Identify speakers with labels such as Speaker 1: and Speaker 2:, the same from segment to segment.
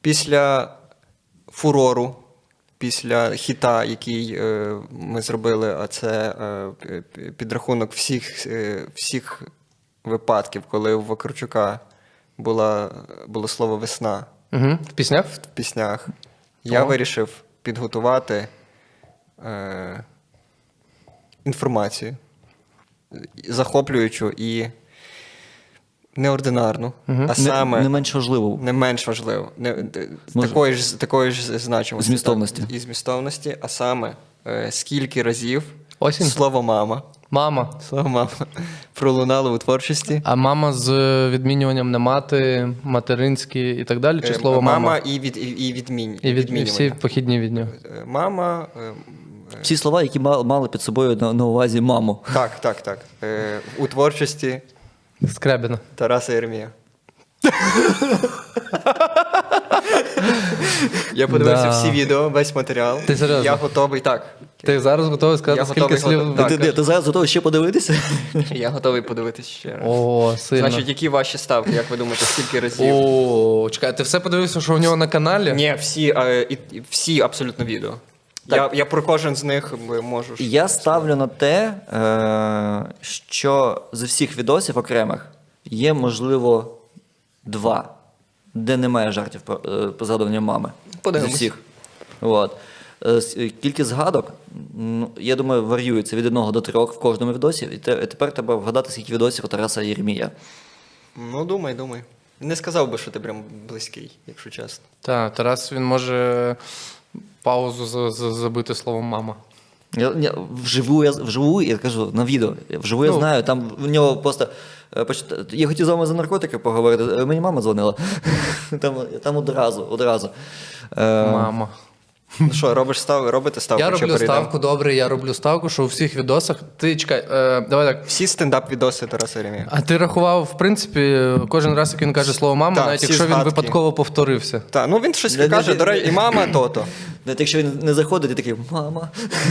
Speaker 1: Після фурору, після хіта, який ми зробили, а це підрахунок всіх випадків, коли у Вакарчука було слово «весна»
Speaker 2: Угу. В піснях?
Speaker 1: в піснях, я вирішив підготувати інформацію захоплюючу і неординарну, а саме
Speaker 3: Не менш важливо.
Speaker 1: не менш важливо, такої ж значимості.
Speaker 3: Змістовності.
Speaker 1: І змістовності, а саме скільки разів
Speaker 2: Осінь?
Speaker 1: слово «мама»
Speaker 2: Мама.
Speaker 1: пролунало у творчості.
Speaker 2: А мама з відмінюванням на мати, материнські і так далі? Чи слово мама?
Speaker 1: Мама і
Speaker 2: І
Speaker 1: відмінювання.
Speaker 2: всі похідні від нього.
Speaker 1: Мама.
Speaker 3: Всі слова, які мали під собою на увазі маму.
Speaker 1: Так. У творчості
Speaker 2: Скрябіна.
Speaker 1: Тараса Єремія. Я подивився всі відео, весь матеріал.
Speaker 2: Ти серйозно?
Speaker 1: Я готовий, так.
Speaker 2: Ти зараз готовий сказати,
Speaker 1: Я
Speaker 2: скільки
Speaker 1: готовий,
Speaker 2: слів?
Speaker 1: так.
Speaker 3: Ти зараз готовий ще подивитися?
Speaker 1: Я готовий подивитися ще раз.
Speaker 2: О, сильно.
Speaker 1: Значить, які ваші ставки, як ви думаєте, скільки разів?
Speaker 2: О, чекай, ти все подивився, що у нього на каналі?
Speaker 1: Ні, всі абсолютно відео. Я про кожен з них можу.
Speaker 3: Я ставлю на те, що з всіх відосів окремих є, можливо, 2, де немає жартів про згадування мами.
Speaker 1: Подивимось.
Speaker 3: З усіх. От. Кількість згадок, я думаю, варіюється від 1 до 3 в кожному відосі. І тепер треба вгадати, скільки відосів у Тараса Єремія.
Speaker 1: Ну, думай. Не сказав би, що ти прям близький, якщо чесно.
Speaker 2: Так, Тарас, він може паузу забити словом мама.
Speaker 3: Вживу, я кажу, на відео. Вживу я знаю, там в нього просто... Я хотів з вами за наркотики поговорити, мені мама дзвонила. Там одразу.
Speaker 2: Мама.
Speaker 1: Ну що, робите ставку?
Speaker 2: Я
Speaker 1: чи
Speaker 2: роблю
Speaker 1: перейдемо?
Speaker 2: ставку, добре, я роблю ставку, що у всіх відосах... Ти, чекай, давай так.
Speaker 1: Всі стендап-відоси Тараса Єремія.
Speaker 2: А ти рахував, в принципі, кожен раз, як він каже слово мама,
Speaker 1: Так,
Speaker 2: навіть
Speaker 1: всі
Speaker 2: якщо він
Speaker 1: згадки.
Speaker 2: випадково повторився.
Speaker 1: Так, ну він щось каже, до речі, і мама то-то.
Speaker 3: Навіть якщо він не заходить, і такий «мама».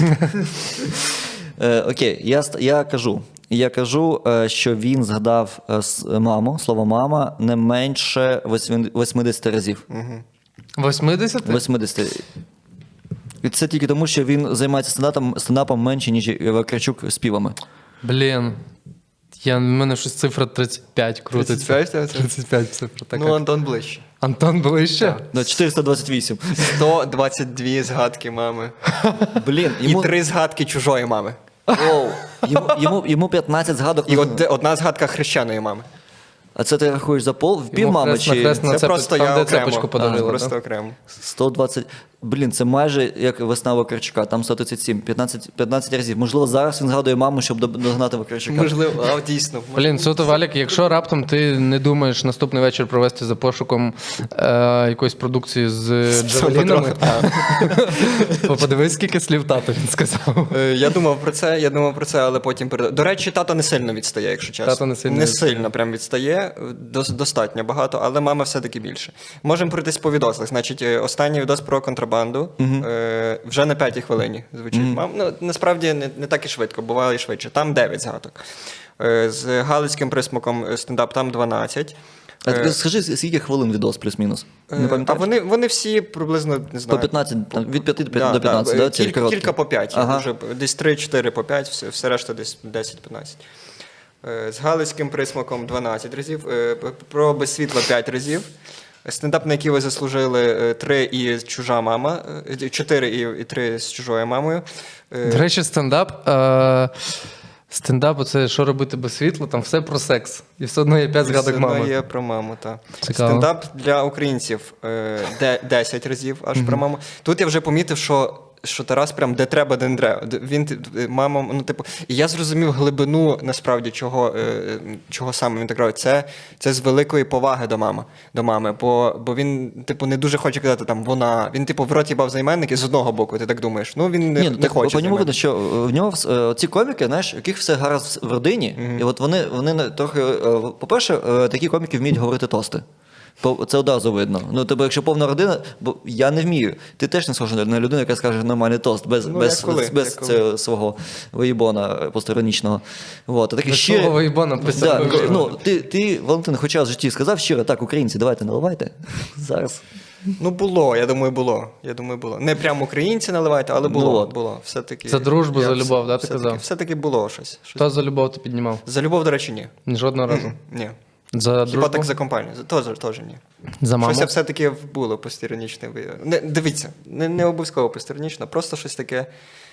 Speaker 3: Окей, я кажу, що він згадав маму, слово «мама» не менше 80 разів.
Speaker 2: 80?
Speaker 3: 80. І це тільки тому, що він займається стендапом менше, ніж Вакарчук співами.
Speaker 2: Блін. В мене щось цифра 35 крутиться.
Speaker 1: 35?
Speaker 2: 35 цифра така.
Speaker 1: Ну, Антон ближче.
Speaker 2: Антон ближче?
Speaker 3: 428.
Speaker 1: 122 згадки мами.
Speaker 3: Блін,
Speaker 1: І 3 згадки чужої мами.
Speaker 3: йому 15 згадок.
Speaker 1: І одна згадка хрещеної мами.
Speaker 3: А це ти рахуєш за пів мами чи
Speaker 1: Це просто
Speaker 2: там,
Speaker 1: я
Speaker 2: де
Speaker 1: окремо.
Speaker 2: цепочку подарили,
Speaker 1: Просто
Speaker 2: да?
Speaker 1: окремо.
Speaker 3: 120. Блін, це майже як весна Вакарчука, там 137, 15 разів. Можливо, зараз він згадує маму, щоб догнати Вакарчука.
Speaker 1: Можливо, дійсно.
Speaker 2: Блін, суто, Валік, якщо раптом ти не думаєш наступний вечір провести за пошуком якоїсь продукції з джавелінами, подивись, скільки слів тато він сказав.
Speaker 1: Я думав про це, але потім передав. До речі, тато не сильно відстає, якщо чесно.
Speaker 2: Тато не сильно
Speaker 1: не
Speaker 2: відстає.
Speaker 1: сильно прям відстає, достатньо багато, але мама все-таки більше. Можемо пройтись по відосах. Значить, останній відос про контрабанду вже на 5-й хвилині звучить. Ну, насправді не так і швидко, бувало і швидше. Там 9 згадок. З галицьким присмаком стендап там 12.
Speaker 3: А ти скажи, скільки хвилин відос плюс-мінус? Не
Speaker 1: А
Speaker 3: пам'ятаєш?
Speaker 1: вони всі приблизно, не знаю.
Speaker 3: По 15, там, від 5 до 15, да? Ці короткі?
Speaker 1: Кілька по 5.
Speaker 3: Ага.
Speaker 1: Вже десь 3-4 по 5, все решта десь 10-15. З галицьким присмаком 12 разів, про без світла 5 разів. Стендап, на який ви заслужили 3 і чужа мама, 4 і 3 з чужою мамою.
Speaker 2: До речі, стендап, це що робити без світла, там все про секс. І все одно є 5 згадок
Speaker 1: Воно
Speaker 2: мами.
Speaker 1: є про маму, так.
Speaker 2: Цікаво.
Speaker 1: Стендап для українців 10 разів аж про маму. Тут я вже помітив, що Тарас прям де треба, де не треба. Він, мама, ну, типу, і я зрозумів глибину, насправді, чого саме він так робить. Це з великої поваги до мами, бо він, типу, не дуже хоче казати там вона. Він, типу, в роті бав займенники з одного боку, ти так думаєш. Ну, він не хоче.
Speaker 3: По ньому видно, що в нього ці коміки, знаєш, яких все гаразд в родині, і от вони трохи, по-перше, такі коміки вміють говорити тости. Це одразу видно. Ну, тобто, якщо повна родина, бо я не вмію. Ти теж не схожа на людину, яка скаже нормальний тост, без цього свого виїбона посторонічного. Вот.
Speaker 2: Без свого виїбона
Speaker 3: ти, Валентин, хоча в житті сказав щиро, так, українці, давайте наливайте. Зараз.
Speaker 1: Ну, було, я думаю, було. Не прямо українці наливають, але було.
Speaker 3: Ну, от.
Speaker 1: Було. Все-таки,
Speaker 2: За дружбу,
Speaker 1: я
Speaker 2: за любов, да, ти
Speaker 1: все-таки-
Speaker 2: казав?
Speaker 1: Все-таки було щось.
Speaker 2: Хто за любов ти піднімав?
Speaker 1: За любов, до речі, ні.
Speaker 2: Жодного разу.
Speaker 1: Ні.
Speaker 2: За
Speaker 1: Хіба
Speaker 2: дружбу?
Speaker 1: так за компанію? Теж ні.
Speaker 2: За маму?
Speaker 1: Щось все-таки було постіронічне. Дивіться, не обов'язково постіронічно, просто щось таке.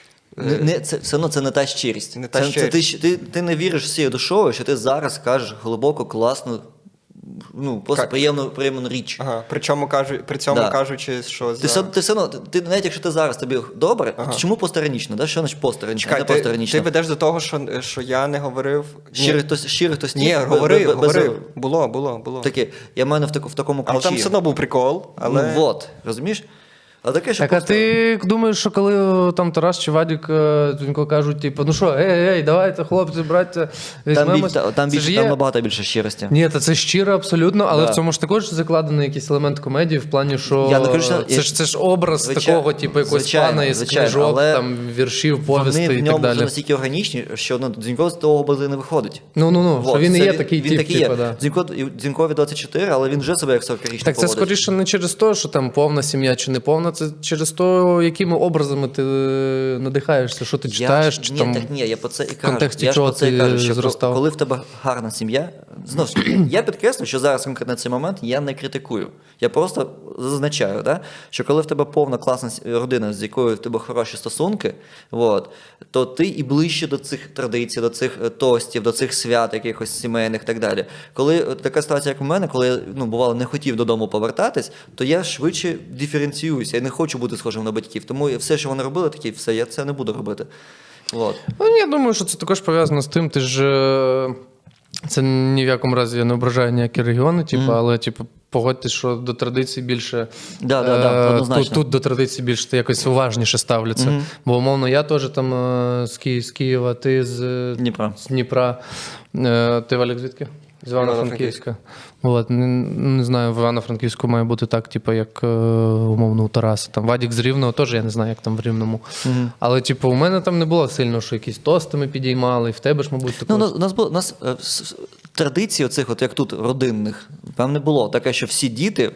Speaker 3: Це все одно це не та щирість.
Speaker 1: Не та
Speaker 3: Це
Speaker 1: щирість.
Speaker 3: ти не віриш всією душою, що ти зараз кажеш глибоко, класну, ну, просто приємну річ.
Speaker 1: Ага. При цьому
Speaker 3: Да.
Speaker 1: кажучи, що
Speaker 3: Ти все одно, навіть якщо ти зараз тобі добре,
Speaker 1: Ага.
Speaker 3: то чому посторонічно? Да? Що значить посторонічно?
Speaker 1: Чекай,
Speaker 3: Не
Speaker 1: ти
Speaker 3: посторонічно.
Speaker 1: ведеш до того, що я не говорив.
Speaker 3: Щирий хтось
Speaker 1: Ні, говорив. Було.
Speaker 3: Таке, я маю в такому ключі.
Speaker 1: Але там все одно був прикол. Але...
Speaker 3: Ну, от, розумієш? А таке, що
Speaker 2: Так, а ти думаєш, що коли там Тарас чи Вадік Дзюнько кажуть, типу, ну що, ей, давайте, хлопці, браття, візьмемось.
Speaker 3: там
Speaker 2: Це ж є...
Speaker 3: набагато більше щирості.
Speaker 2: Ні, та це щиро абсолютно, але
Speaker 3: Да.
Speaker 2: в цьому ж також закладений якийсь елемент комедії в плані, що
Speaker 3: Я не кажу, що-
Speaker 2: це ж образ такого, типу, якогось
Speaker 3: звичайно,
Speaker 2: пана із
Speaker 3: звичайно,
Speaker 2: книжок,
Speaker 3: але
Speaker 2: там, віршів, повістей
Speaker 3: Вони
Speaker 2: і
Speaker 3: в
Speaker 2: так
Speaker 3: ньому вже
Speaker 2: далі.
Speaker 3: настільки органічні, що Дзюнько з того образу не виходить.
Speaker 2: Ну, що він і
Speaker 3: це
Speaker 2: є такий
Speaker 3: він
Speaker 2: тип,
Speaker 3: такий
Speaker 2: типу,
Speaker 3: є.
Speaker 2: да.
Speaker 3: Дзюнькові 24, але він вже себе як 40-річний
Speaker 2: Так це
Speaker 3: поводить.
Speaker 2: скоріше не через те, що там повна сім'я чи не повна, це через те, якими образами ти надихаєшся, що ти читаєш, чи там...
Speaker 3: Я про це і кажу.
Speaker 2: контексті
Speaker 3: Я ж
Speaker 2: чого
Speaker 3: про це і
Speaker 2: ти
Speaker 3: кажу, що
Speaker 2: зростав?
Speaker 3: коли в тебе гарна сім'я, знову ж таки, я підкреслю, що зараз конкретно цей момент я не критикую. Я просто зазначаю, да, що коли в тебе повна класна родина, з якою в тебе хороші стосунки, то ти і ближче до цих традицій, до цих тостів, до цих свят якихось сімейних і так далі. Коли така ситуація, як у мене, коли я бувало не хотів додому повертатись, то я швидше диференціююся. Я не хочу бути схожим на батьків. Тому все, що вони робили, такі, все, я це не буду робити.
Speaker 2: Ну, я думаю, що це також пов'язано з тим, ти ж. Це ні в якому разі я не ображаю ніякі регіони, але погодьтесь, що до традицій більше.
Speaker 3: однозначно.
Speaker 2: Тут до традицій більше якось уважніше ставляться. Бо, умовно, я теж там з Києва, ти з Дніпра. Ти, Валік, звідки? З Івано-Франківська. Не знаю, в Івано-Франківську має бути так, як умовно у Тараса. Там Вадік з Рівного, теж я не знаю, як там в Рівному. Але у мене там не було сильно, що якісь тости ми підіймали, і в тебе ж, мабуть, також.
Speaker 3: У нас традицій оцих, як тут, родинних, там не було. Таке, що всі діти,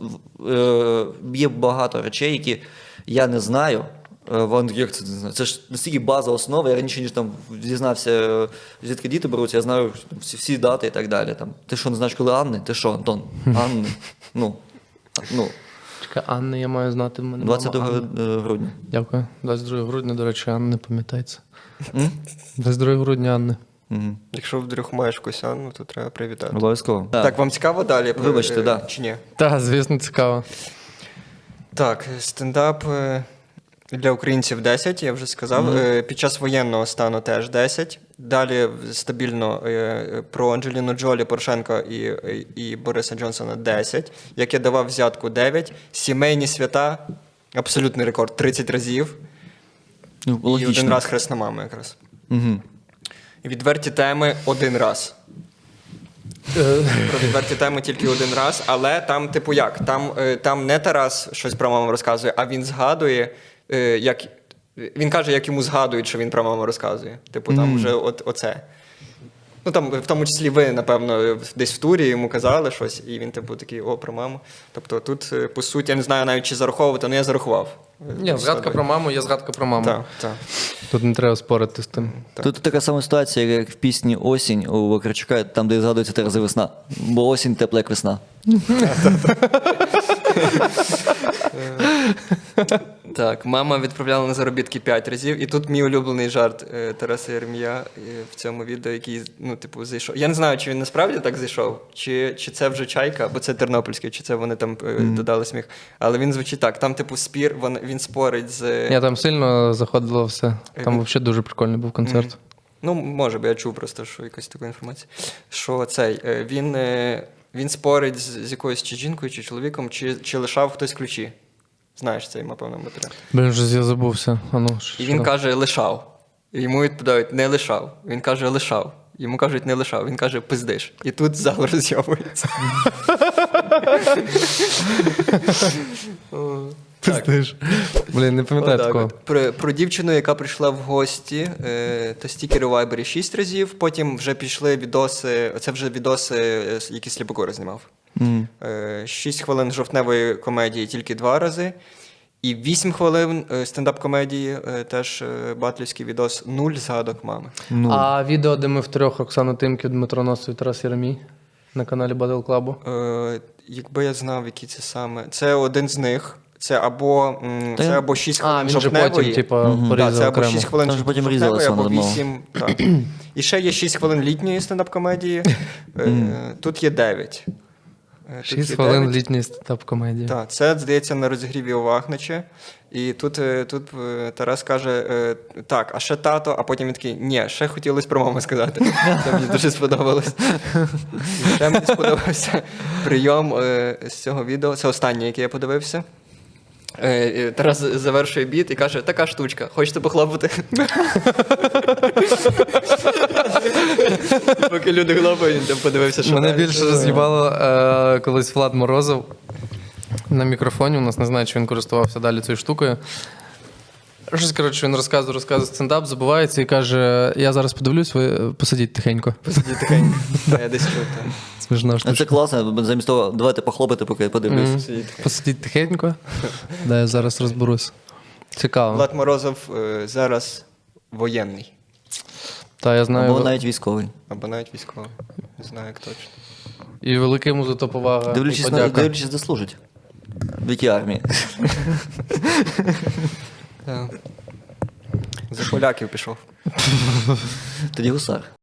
Speaker 3: є багато речей, які я не знаю. Як це не знаю? Це ж настільки база, основа. Я раніше ніж там дізнався, звідки діти беруться, я знаю всі дати і так далі. Ти що, не знаєш, коли Анни? Ти що, Антон? Анни?
Speaker 2: Чекай, Анни я маю знати. В мене
Speaker 3: 22 грудня.
Speaker 2: Дякую. 22 грудня, до речі, Анни, пам'ятається. 22 грудня Анни.
Speaker 1: Якщо вдруг маєш якусь Анну, то треба привітати.
Speaker 3: Обов'язково.
Speaker 1: Так, вам цікаво далі?
Speaker 3: Вибачте, да.
Speaker 1: Чи ні?
Speaker 2: Так, звісно, цікаво.
Speaker 1: Так, стендап для українців 10, я вже сказав. Під час воєнного стану теж 10. Далі стабільно про Анджеліну Джолі, Порошенка і Бориса Джонсона 10. Як я давав взятку 9. Сімейні свята, абсолютний рекорд, 30 разів. І один раз хресна мама якраз. І відверті теми один раз. Про відверті теми тільки один раз, але там, як? Там не Тарас щось про маму розказує, а він згадує, він каже, як йому згадують, що він про маму розказує. Там вже оце. Ну, там, в тому числі ви, напевно, десь в турі йому казали щось, і він, такий, про маму. Тобто тут, по суті, я не знаю навіть, чи зараховувати, але я зарахував.
Speaker 2: Ні, згадка про маму є згадка про маму.
Speaker 1: Так.
Speaker 2: Тут не треба спорити з тим.
Speaker 3: Тут така сама ситуація, як в пісні «Осінь» у Вакарчука, там, де згадується 3 рази весна. Бо осінь тепла, як весна.
Speaker 1: Так, мама відправляла на заробітки 5 разів, і тут мій улюблений жарт Тараса Єремія в цьому відео, який, зайшов. Я не знаю, чи він насправді так зайшов, чи це вже чайка, бо це тернопільський, чи це вони там додали сміх. Але він звучить так, там спір, він спорить з...
Speaker 2: Ні, там сильно заходило все. Там взагалі дуже прикольний був концерт.
Speaker 1: Ну, може, бо я чув просто, що якась така інформація. Що він спорить з якоюсь чи жінкою, чи чоловіком, чи лишав хтось ключі. Знаєш цей, напевно, матеріал.
Speaker 2: Блін, вже я забувся.
Speaker 1: І він каже, лишав. І йому відповідають, не лишав. Він каже, лишав. Йому кажуть, не лишав. Він каже, пиздиш. І тут зал розйовується.
Speaker 2: Пиздиш. Блін, не пам'ятаю такого.
Speaker 1: Про дівчину, яка прийшла в гості, та стікери у Вайбері 6 разів, потім вже пішли відоси, це вже відоси, які Сліпокора знімав. 6 хвилин жовтневої комедії тільки 2 рази. І 8 хвилин стендап-комедії, теж батлівський відос, 0 згадок мами.
Speaker 2: А відео, де ми втрьох, Оксана Тимків, Дмитро Носов і Тарас Єремій на каналі Battle Club?
Speaker 1: Якби я знав, які це саме. Це один з них. Це або 6 хвилин
Speaker 2: він же
Speaker 1: жовтневої.
Speaker 2: потім, порізав
Speaker 1: це або
Speaker 2: окремо.
Speaker 1: 6 хвилин
Speaker 3: Там же потім
Speaker 1: жовтневої,
Speaker 3: різалося
Speaker 1: або
Speaker 3: на
Speaker 1: 8. Так. І ще є 6 хвилин літньої стендап-комедії. Тут є 9.
Speaker 2: 6 хвилин літньої стендап-комедії.
Speaker 1: Так, це, здається, на розігріві у Вахничі. І тут Тарас каже, так, а ще тато, а потім він такий, ні, ще хотілося про маму сказати. Це мені дуже сподобалось. І ще мені сподобався прийом з цього відео. Це останнє, яке я подивився. Тарас завершує біт і каже, така штучка, хочете похлопати? Поки люди хлопають, він там подивився, що
Speaker 2: Мене
Speaker 1: далі.
Speaker 2: більше роз'їбало колись Влад Морозов на мікрофоні. У нас не знаю, чи він користувався далі цією штукою. Щось, коротше, він розказує стендап, забувається і каже, я зараз подивлюсь, ви посидіть тихенько.
Speaker 1: Посидіть тихенько. Я десь чув, так.
Speaker 2: Смішна штука.
Speaker 3: Це класно, замість того, давайте похлопати, поки я подивлюсь.
Speaker 2: Посидіть тихенько. Да, я зараз розберусь. Цікаво.
Speaker 1: Влад Морозов зараз воєнний.
Speaker 2: Та, я знаю.
Speaker 3: Або навіть військовий.
Speaker 1: Або навіть військовий. Не знаю, як точно.
Speaker 2: І велика йому за то повага. і
Speaker 3: Дивлячись,
Speaker 2: подяка.
Speaker 3: де служить. В якій армії.
Speaker 1: За поляків пішов.
Speaker 3: Тоді гусар.